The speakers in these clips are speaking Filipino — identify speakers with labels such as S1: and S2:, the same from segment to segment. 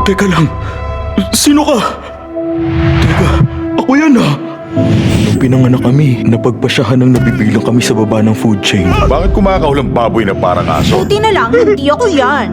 S1: Teka lang, sino ka? Teka, ako yan ah. Nung pinanganak kami, napagpasyahan ng nabibilang kami sa baba ng food chain.
S2: Bakit kumakahol ang baboy na parang aso?
S3: Buti na lang, hindi ako yan.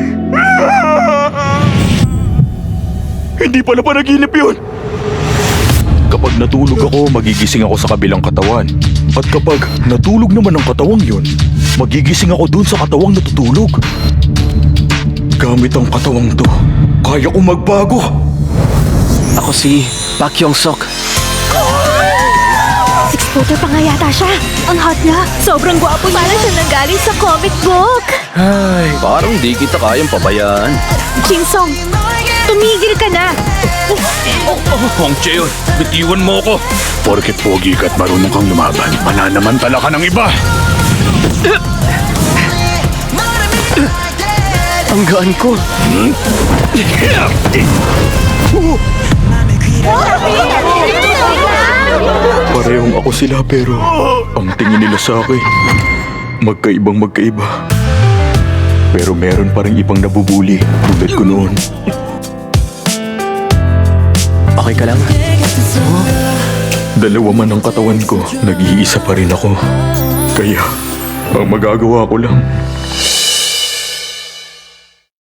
S1: Hindi pala panaginip yun! Kapag natulog ako, magigising ako sa kabilang katawan. At kapag natulog naman ang katawang yun, magigising ako dun sa katawang natutulog. Gamit ang katawang to, kaya ko magbago.
S4: Ako si Pak Yong-sok.
S3: 6-footer pa nga yata siya. Ang hot niya. Sobrang gwapo niya. Para siya nanggaling sa comic book.
S4: Ay, parang di kita kayang pabayaan.
S3: Chinsong, tumigil ka na.
S2: Hong Cheon, bitiwan mo ko. Porket pogi ka at marunong kang lumaban, pananamantala ka ng iba.
S4: Ang gaan ko.
S1: Parehong ako sila pero ang tingin nila sa akin, magkaibang magkaiba. Pero meron pa rin ibang nabubuli tulad ko noon.
S4: Okay ka lang?
S1: Dalawa man ang katawan ko, nag-iisa pa rin ako. Kaya, ang magagawa ko lang,